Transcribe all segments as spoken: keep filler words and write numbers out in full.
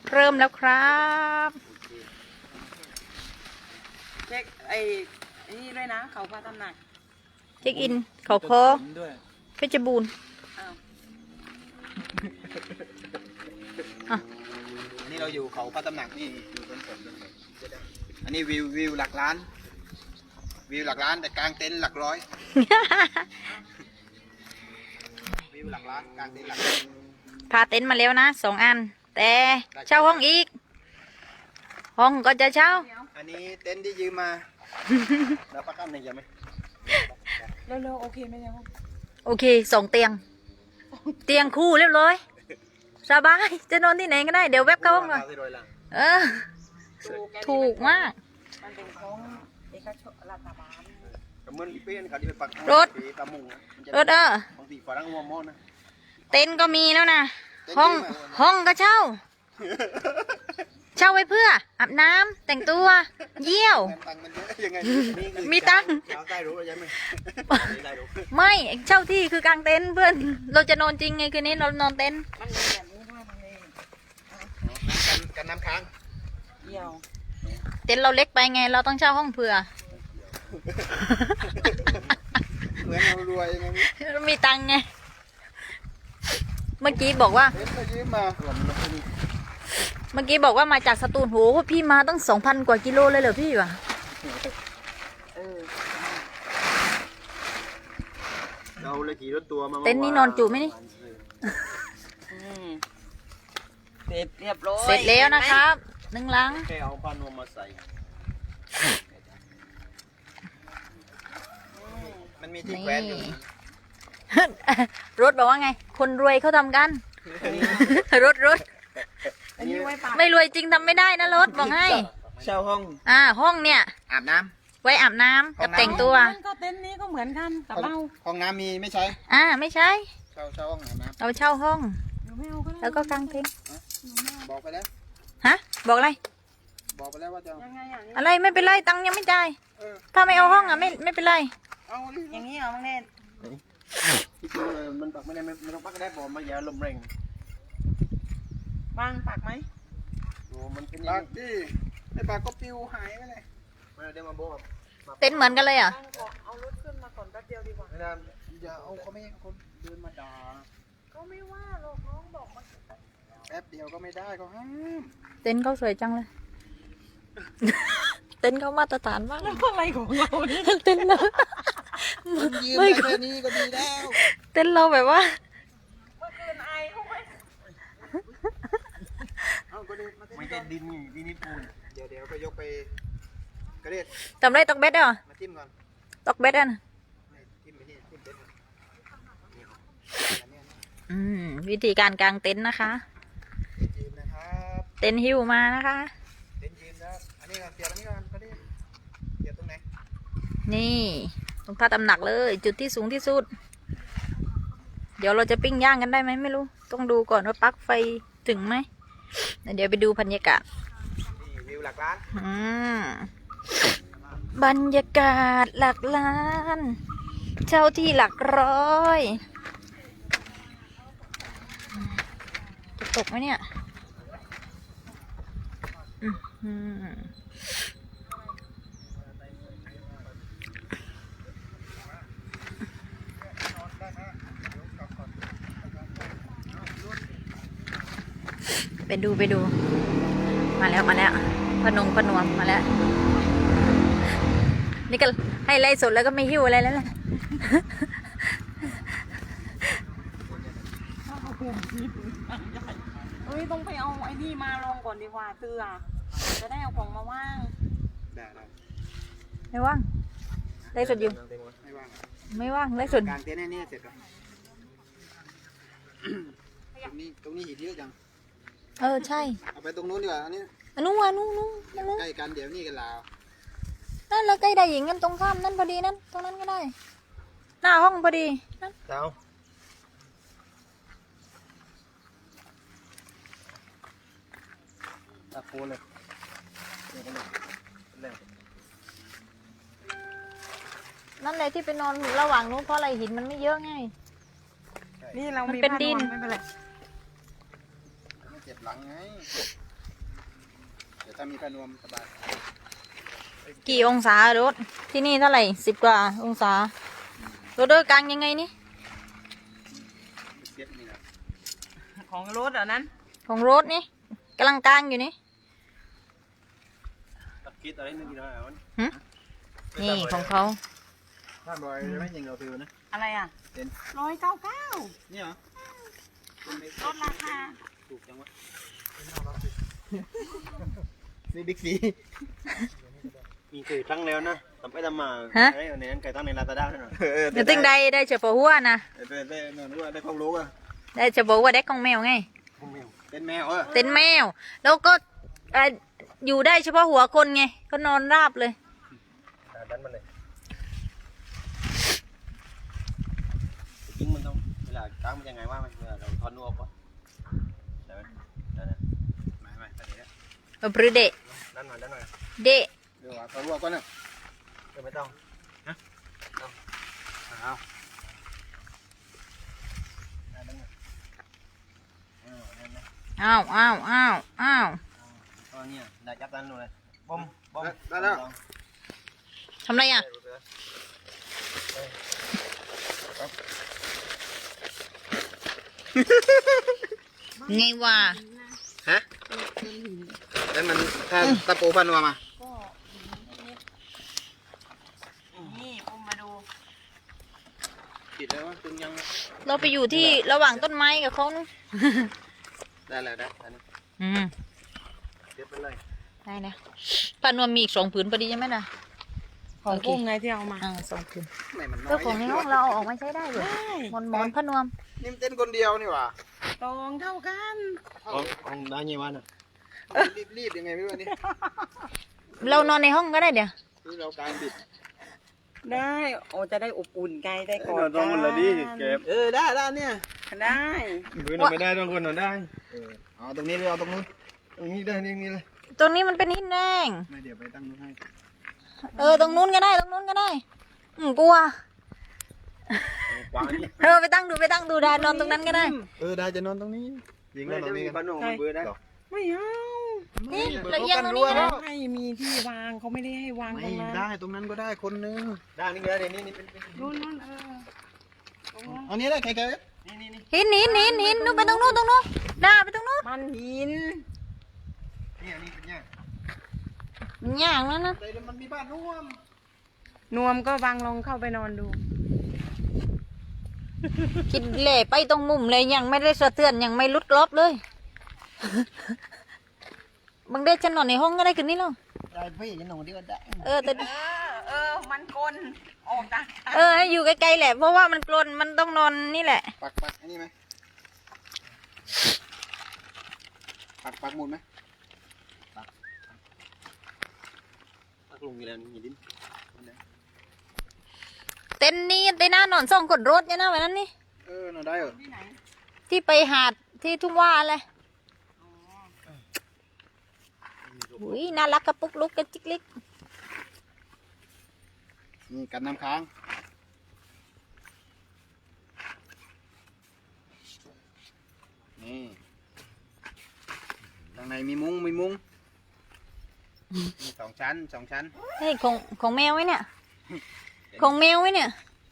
เริ่มแล้วครับเช็คไอ้นี่ด้วยนะเขาพระตำหนักเช็คอินเขาคอเพชรบูรณ์อันนี้เราอยู่เขาพระตำหนักนี่อยู่บนฝนอันนี้วิววิวหลักล้านวิวหลักล้านแต่กลางเต็นท์หลักร้อยวิวหลักล้านกลางเต็นท์หลักร้อยพาเต็นท์มาแล้วนะสองอันแต่เช่าห้องอีกห้องก็จะเช่าอันนี้เต็นท์ที่ยืมมาแล้วประกันหนึ่งยังไหมเร็วๆโอเคไหมยังโอเคสองเตียงเตียงคู่เรียบร้อยสบายจะนอนที่ไหนก็ได้เดี๋ยวแวบเข้าห้องเลยเออถูกมากมันเป็นของเอกชนรัฐบาลรถรถเออเต็นท์ก็มีแล้วนะห้องห้องก็เช่าเช่าไว้เพื่ออาบน้ำแต่งตัวเยี่ยวมีตังค์ไม่เช่าที่คือกางเต็นท์เพื่อนเราจะนอนจริงไงคืนนี้เรานอนเต็นท์กันน้ำค้างเยี่ยวเต็นท์เราเล็กไปไงเราต้องเช่าห้องเผื่อเหมือนเรารวยเรามีตังค์ไงเมื่อกี้บอกว่าเมื่อกี้บอกว่ามาจากสตูลโหพี่มาตั้งสองพันกว่ากิโลเลยเหรอพี่วะเราเลยขี่รถตัวมาเต็นท์นี่นอนจุไหมนี่เสร็จเรียบร้อยเสร็จแล้วนะครับหนึ่งลังแค่เอาผ้านวมมาใส่มันมีที่แขวนอยู่รถบอกว่าไงคนรวยเขาทำกันรถรถไม่รวยจริงทำไม่ได้นะรถบอกให้เช่าห้องอ่าห้องเนี่ยอาบน้ำไว้อาบน้ำกับแต่งตัวก็เต็นท์นี้ก็เหมือนกันกับเราห้องน้ำมีไม่ใช่อ่าไม่ใช่เช่าเช่าห้องอาบน้ำเราเช่าห้องแล้วก็กางเต็นท์บอกไปแล้วฮะบอกอะไรบอกไปแล้วว่าจะอะไรไม่เป็นไรตังค์ยังไม่จ่ายถ้าไม่เอาห้องอ่ะไม่ไม่เป็นไรอย่างนี้เหรอมังเนตที่จริงมันปักไม่ได้ไม่ต้องปักก็ได้บอกมาอย่าลมแรงวางปักไหมโอ้มันเป็นปักดิไอ้ปักก็ปิวหายไปเลยมาเดี๋ยวมาโบกเต็นท์เหมือนกันเลยอ่ะเอารถขึ้นมาก่อนแป๊บเดียวดีกว่าไม่ได้อย่าเอาเขาไม่เขาเดินมาด่าก็ไม่ว่าหรอกน้องบอกมาแป๊บเดียวก็ไม่ได้เขาห้ามเต็นท์เขาสวยจังเลยเต็นท์เขามาตรฐานมากอะไรของเราเนี่ยเต็นท์เราไม่แค่นี้ก็ดีแล้วเต็นท์เราแบบว่าเมื่อคืนไอเขาไหมไม่ใช่ดินดินนี่ปูนเดี๋ยวเดี๋ยวก็ยกไปกระเด็ดทำไรตอกเบ็ดอ่ะมาจิ้มก่อนตอกเบ็ดอ่ะจิ้มไปนี่จิ้มเบ็ดอืมวิธีการกางเต็นท์นะคะเต็นท์หิ้วมานะคะเต็นท์ยืนนะอันนี้ก่อนเสียบอันนี้ก่อนกระเด็ดเสียบตรงไหนนี่ตรงท่าตำหนักเลยจุดที่สูงที่สุดเดี๋ยวเราจะปิ้งย่างกันได้ไหมไม่รู้ต้องดูก่อนว่าปลั๊กไฟถึงไหมเดี๋ยวไปดูบรรยากาศวิวหลักล้านอืมบรรยากาศหลักล้านเช่าที่หลักร้อยจะตกไหมเนี่ยอืมไปดูไปดูมาแล้วมาแล้วพนงพนวมมาแล้วนี่ก็ให้ไล่สดแล้วก็ไม่หิ้วอะไรแล้วแหละเฮ้ยต้องไปเอาไอ้นี่มาลงก่อนดีกว่าเตือจะได้เอาของมาว่างได้ได้ไม่ว่างไล่สดอยู่ไม่ว่างไม่ว่างไล่สดการเต้นนี่เสร็จแล้วตรงนี้ตรงนี้หินเยอะจังเออใช่เอาไปตรงนู้นดีกว่าอันนี้อันนู้นอันนู้นนู้นใกล้กันเดี๋ยวนี่กันลาวนั่นแล้วใกล้ได้หญิงกันตรงข้ามนั่นพอดีนั่นตรงนั้นก็ได้หน้าห้องพอดีนั่นเจ้าตะโกนเลยนั่นเลยที่ไปนอนระหว่างนู้นเพราะอะไรหินมันไม่เยอะไงนี่เราเป็นดินไม่เป็นไรเจ็บหลังไงดี๋ยวถ้ามีพนวมสบายกี่องศารถที่นี่เท่าไหร่สิบกว่าองศารถเดินกลางยังไงนี่เสียบนี่นะของรถเหรอนั้นของรถนี่กำลังกลางอยู่นี่ตัดคิดอะไรนึงกี่น้อยอ่ะหึนี่ของเขาท่านบอยจะไม่ยิงเราฟิวนะอะไรอ่ะเป็นร้อยเก้าเก้านี่เหรอลดราคาถูกจังวะนี่บิ๊กซีมีเคยตั้งแล้วนะทำไปทำมาไอ้ในนั้นเคยตั้งในลาซาด้าด้วยหน่อยเดี๋ยวตึงได้ได้เฉพาะหัวนะได้ได้ได้รู้ว่าได้ความรู้อ่ะได้เฉพาะหัวเด็กของแมวไงเป็นแมวเออเต็นแมว แล้วก็เอ่ออยู่ได้เฉพาะหัวคนไงก็นอนราบเลยดันมันเลยจริงมันต้องเวลาตั้งมันยังไงว่ามันเวลาเราทอนนัวก่อนได้ไหมได้นะไม่ไม่ตอนนี้เอาปรือเดะดันมาดันหน่อยเดะเดี๋ยวว่าเขารู้ก่อนนะเดี๋ยวไม่ต้องเอาดันหน่อยอ่านั่นนะอ้าวอ้าวอ้าวอ้าวตอนนี้ได้จับดันเลยบอมบอมได้แล้วทำไรอ่ะไงวะฮะแล้วมันถ้าตะปูพนวมมาก็นิดๆนี่ปุ้มมาดูผิดแล้วว่าคุณยังเราไปอยู่ที่ระหว่างต้นไม้กับเขานะได้แล้วได้อันนี้อืมเก็บไปเลยได้นะปานวมมีอีกสองผืนพอดีใช่ไหมนะของโอเคปุ้มไงที่เอามาอ่าสองผืนไม่มันน้อยเจ้าของในห้องเราเอาออกมาใช้ได้เลยได้หมอนหมอนพนวมนี่มันเต้นคนเดียวนี่หว่าตองเท่ากันของของได้ยังไงวะน่ะรีบรีบยังไงไม่รู้อันนี่เรานอนในห้องก็ได้เดี๋ยวคือเราการบิดได้โอ้จะได้อบอุ่นไกลได้กอดต้องมันละดิเก็บเออได้ได้เนี่ยได้พื้นไม่ได้ต้องคนนอนได้เออเอาตรงนี้เลยเอาตรงนู้นตรงนี้ได้นี่นี่เลยตรงนี้มันเป็นหินแดงไม่เดี๋ยวไปตั้งนู้นให้เออตรงนู้นก็ได้ตรงนู้นก็ได้ อืมกลัวกว้างนี่เออไปตั้งดูไปตั้งดูได้นอนตรงนั้นก็ได้เออได้จะนอนตรงนี้ยิงนไม่อนตรได้งมีนี้บ้านนองมันเบื่อได้ไม่เอานี่เปิดละเอียงตรงนี้รั้วนะไม่มีที่วางเขาไม่ได้ให้วางตไม่รงนั้นได้ตรงนั้นก็ได้คนนึงได้นี่ก็ได้นี่นี่เป็นนู่นนู่นเออตรงนั้นอันนี้ได้ใครใครนี่นี่นี่หินหินหินหินนู่นไปตรงนู้นตรงนู้นด่าไปตรงนู้นมันหินนี่อันนี้เป็นเนี่ยมันย่างแล้วนะแต่มันมีบ้านร่วมนวมก็วางลงเข้าไปนอนดูคิดเล่ไปตรงมุมเลยยังไม่ได้สะเทือนยังไม่ลุดกรอบเลย บางเดชฉันนอนในห้องก็ได้คืนนี้แล้วได้พี่จะนอนที่ก็ได้เออแต่เออเออมันกลนออกจากกันเออให้อยู่ไกลๆแหละเพราะว่ามันกลนมันต้องนอนนี่แหละปักปักอันนี้ไหมปักปักหมุนไหมตักลงอยู่แล้วนี่ดินเต็นท์นี้เต็นท์หน้านอนสองคนรถเนี่ยนะวันนั้นนี่เออนอนได้เหรอที่ไหนที่ไปหาดที่ทุ่งว่าเลยอุ้ยน่ารักกระปุกลุกกระจิกลิกนี่กันน้ำค้างนี่ข้างในมีมุ้งมีมุ้งมีสองชั้นสองชั้นเฮ้ยของของแมวไว้เนี่ยของแมวไว้เนี่ย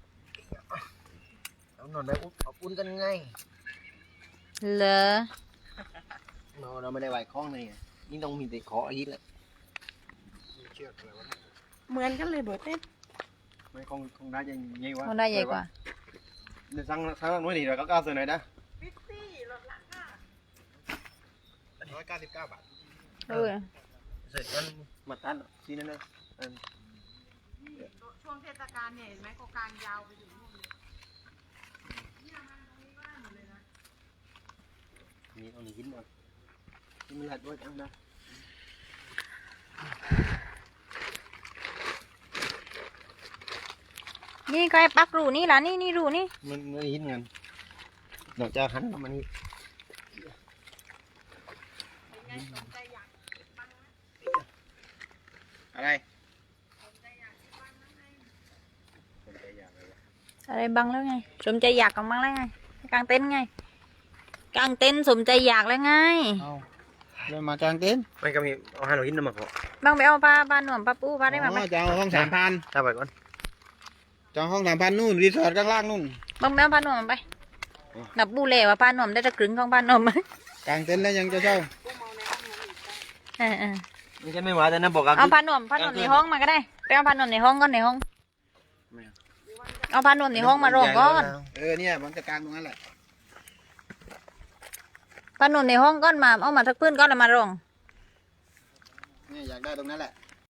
เรานอนได้อุ๊บเอาอุ่นกันไงเหรอเราเราไม่ได้ไหวคล้องเลยนี่ต้องมีแต่ขออาทิตย์แหละเชือกอะไรวะเหมือนกันเลยเบิร์ดเต้นไม่คงคงได้ยังไงวะมันได้ใหญ่กว่าเดี๋ยวสั่งสั่งนู้นนี่เราก็ก้าวเสนอนะฟิฟตี้ลดราคาร้อยเก้าสิบเก้าบาทเออเสร็จกันมาตันที่นั่นนะช่วงเทศกาลเนี่ยเห็นไหมก็กางยาวไปถึงนู่นเลยนี่เอาหนีหินมาที่มันหลัดด้วยจังนะนี่ใครปักรูนี่ล่ะนี่นี่รูนี่มันมันหินเงินนอกจากหันมันนี่เป็นไงสนใจอยากบ้างไหมอะไรสนใจอยากบ้างไหมสนใจอยากอะไรวะอะไรบังแล้วไงสมใจอยากกันบ้างแล้วไงกางเต็นท์ไงกางเต็นท์สมใจอยากแล้วไงเอาแล้วมากางเต็นท์ไม่ก็มีเอาห้าหน่อยหินมาพอบางไปเอาผ้าผ้าหนวมผ้าปูผ้าได้มาไหมอ๋อจะเอาห้องสามพันถ้าไปก่อนจะเอาห้องสามพันนู่นรีสอร์ทข้างล่างนู่นบางไปเอาผ้าหนวมไปนับบูเล่ว่าผ้าหนวมได้จะครึ่งของผ้าหนวมไหมกางเต็นท์แล้วยังจะเช่าเออเออไม่ใช่ไม่ว่าแต่นะบอกกันเอาผ้าหนวมผ้าหนวมในห้องมาก็ได้ไปเอาผ้าหนวมในห้องก่อนในห้องเอาผ้าหนวมในห้องมารองก่อนเออเนี่ยมันจะกางตรงนั้นแหละผ้าหนวมในห้องก่อนมาเอามาทักพื้นก่อนแล้วมารองเนี่ยอยากได้ตรงนั้นแหละ